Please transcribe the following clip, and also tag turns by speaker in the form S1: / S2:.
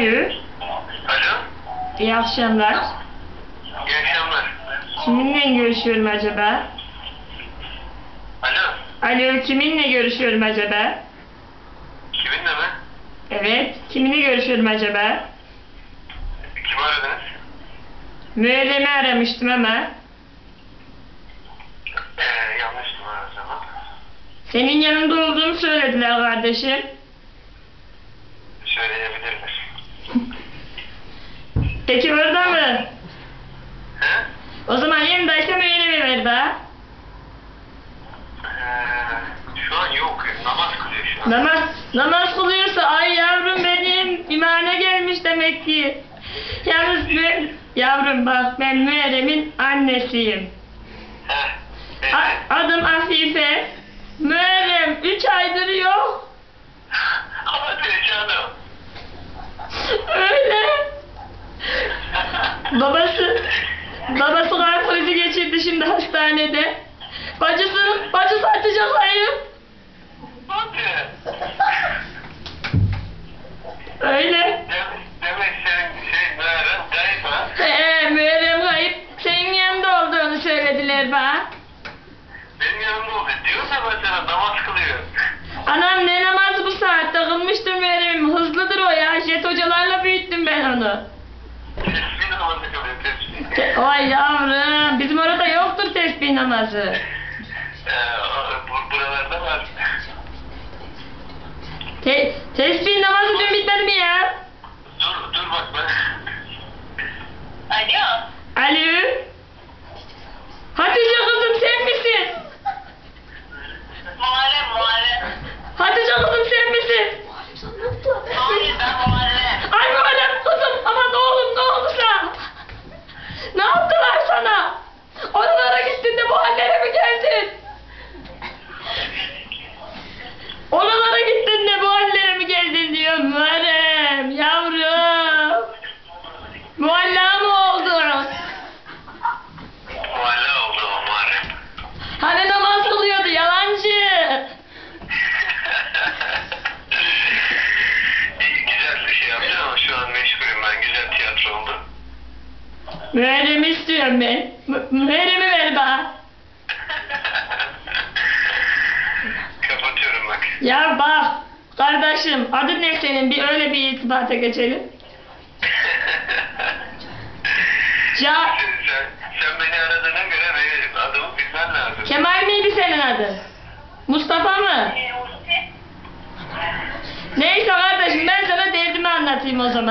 S1: Alo.
S2: Alo.
S1: İyi akşamlar.
S2: İyi akşamlar.
S1: Kiminle görüşüyorum acaba?
S2: Alo.
S1: Alo, kiminle görüşüyorum acaba?
S2: Kiminle mi?
S1: Evet, kiminle görüşüyorum acaba?
S2: Kimi aradınız?
S1: Müerrem'i aramıştım ama.
S2: Yanlış numara o zaman.
S1: Senin yanında olduğunu söylediler kardeşim.
S2: Söyleyebilirler.
S1: Peki orada mı?
S2: He?
S1: O zaman yanındaysa Müerrem'i ver daha.
S2: Şu an yok. Namaz kılıyor şu an.
S1: Namaz kılıyorsa ay yavrum benim imana gelmiş demek ki. Yalnız yavrum bak ben Müerrem'in annesiyim. Adım Afife. Müerrem 3 aydır yok.
S2: Hadi canım.
S1: Öyle. Babası kalp krizi geçirdi şimdi hastanede. Bacısı Hatice kayıp.
S2: Hadi.
S1: Öyle.
S2: Demek senin Müerrem kayıp ha?
S1: Müerrem kayıp. Senin yanında olduğunu söylediler bana.
S2: Benim yanımda oldu. Diyorum ya ben sana namaz kılıyor.
S1: Anam ne namazı bu saatte kılmıştır Müerrem'im. Hızlıdır o ya. Jet hocalarla büyüttüm ben onu.
S2: Tesbih namazı kılıyor. Tesbih.
S1: Ay yavrum. Bizim orada yoktur tesbih namazı.
S2: Buralarda var.
S1: Tesbih namazı dün bitmedi mi ya?
S2: Dur bak ben. Alo.
S1: Alo. Hatice kızım sen misin?
S2: Muharrem.
S1: Hatice kızım sen misin?
S2: Hayır ben Muharrem.
S1: Ay Muharrem kızım aman oğlum ne oldu sana? Ne yaptılar sana? Oralara gittin de bu hallere mi geldin? Oralara gittin de bu hallere mi geldin diyor Muharrem yavrum. Mualla mı oldun?
S2: Muhalla oldu o Muharrem.
S1: Hani namaz kılıyordu yalancı.
S2: Güzel bir şey yaptın ama şu an meşgulüm ben. Güzel tiyatro oldu.
S1: Müerrem'i istiyorum ben. Müerrem'i ver bana.
S2: Kapatıyorum bak.
S1: Ya bak kardeşim adın ne senin? Bir öyle bir irtibata geçelim. Ya
S2: Sen beni aradığına göre benim adımı bilmen lazım.
S1: Kemal miydi senin adın? Mustafa mı? Neyse kardeşim ben sana derdimi anlatayım o zaman.